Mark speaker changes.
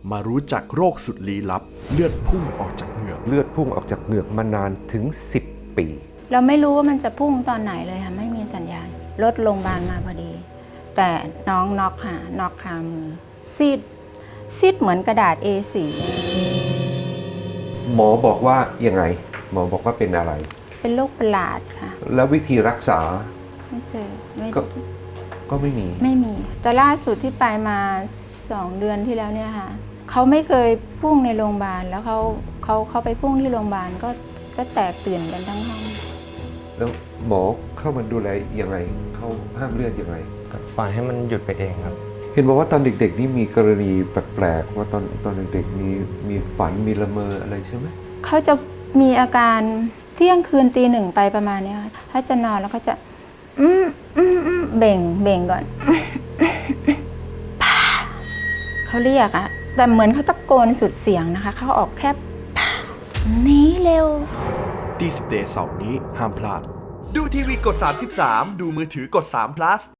Speaker 1: มารู้จักโรคสุดลี้ลับเลือดพุ่งออกจากเหงือก
Speaker 2: เลือดพุ่งออกจากเหงือกมานานถึง10 ปี
Speaker 3: เราไม่รู้ว่ามันจะพุ่งตอนไหนเลยค่ะไม่มีสัญญาณรถโรงพยาบาลมาพอดีแต่น้องน็อกค่ะน็อกคามือซีดเหมือนกระดาษ A4
Speaker 2: หมอบอกว่ายังไงหมอบอกว่าเป็นอะไร
Speaker 3: เป็นโรคประหลาดค่ะ
Speaker 2: แล้ววิธีรักษา
Speaker 3: ไม่เจอ
Speaker 2: ก็ไม่มี
Speaker 3: แต่ล่าสุดที่ไปมา2 เดือนที่แล้วเนี่ยค่ะเขาไม่เคยพุ่งในโรงพยาบาลแล้วเขาไปพุ่งที่โรงพยาบาลก็แตกตื่นกันทั้งห้อง
Speaker 2: แล้วหมอเข้ามาดูแลยังไงเขาห้ามเลือดยังไง
Speaker 4: ก็ปล่อยให้มันหยุดไปเองครับ
Speaker 2: เห็นบอกว่าตอนเด็กๆนี่มีกรณีแปลกๆว่าตอนเด็กๆมีฝันมีละเมออะไรใช่ไหม
Speaker 3: เขาจะมีอาการเที่ยงคืนตี 1ไปประมาณนี้ค่ะถ้าจะนอนแล้วเขาจะเบ่งก่อนเขาเรียกอะแต่เหมือนเขาตะโกนสุดเสียงนะคะเขาออกแค่หนีเร็ว
Speaker 1: ดี10 Day เสาร์นี้ห้ามพลาดดูทีวีกด33ดูมือถือกด3 plus